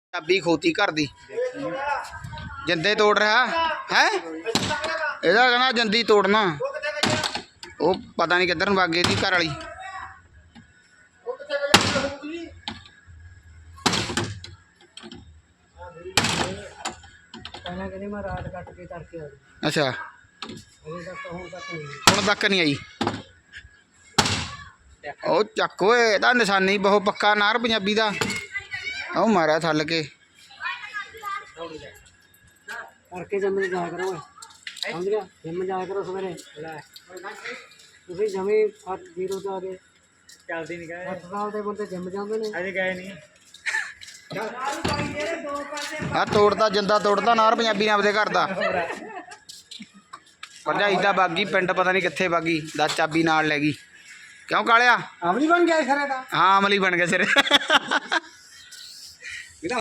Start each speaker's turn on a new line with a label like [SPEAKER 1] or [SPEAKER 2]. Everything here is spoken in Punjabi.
[SPEAKER 1] ਚਾਬੀ ਖੋਤੀ ਘਰ ਦੀ ਜਿੰਦੇ ਤੋੜ ਰਿਹਾ ਹੈ। ਇਹਦਾ कहना ਜਿੰਦੀ ਤੋੜਨਾ। ਉਹ ਪਤਾ ਨਹੀਂ ਕਿੱਧਰ ਨੂੰ ਵਗ ਗਈ ਦੀ ਘਰ ਵਾਲੀ। अच्छा ਹੁਣ ਤੱਕ ਨਹੀਂ ਆਈ। ਉਹ ਚੱਕ ਓਏ ਇਹਦਾ ਨਿਸ਼ਾਨੀ ਬਹੁਤ ਪੱਕਾ ਨਾਰ ਪੰਜਾਬੀ ਦਾ। ਉਹ ਮਾਰਿਆ ਥੱਲ ਕੇ
[SPEAKER 2] करके जिम जाया करो समझ गया। जिम जाया करो सवेरे तुम जमी 0 से आगे चलती नहीं गए 8 साल के बंदे जिम जाते हैं अजे गए नहीं।
[SPEAKER 1] ਆ ਤੋੜਦਾ ਜਿੰਦਾ ਤੋੜਦਾ ਨਾਰ ਪੰਜਾਬੀ ਨੇ ਆਪਦੇ ਘਰ ਦਾ। ਭਰਜਾਈ ਦਾ ਬਾਗੀ ਪਿੰਡ ਪਤਾ ਨਹੀਂ ਕਿੱਥੇ ਬਾਗੀ ਦਾ ਚਾਬੀ ਨਾਲ ਲੈ ਗਈ। क्यों कालिया
[SPEAKER 2] अमली बन गया खरे का।
[SPEAKER 1] हाँ अमली बन गया सिरे।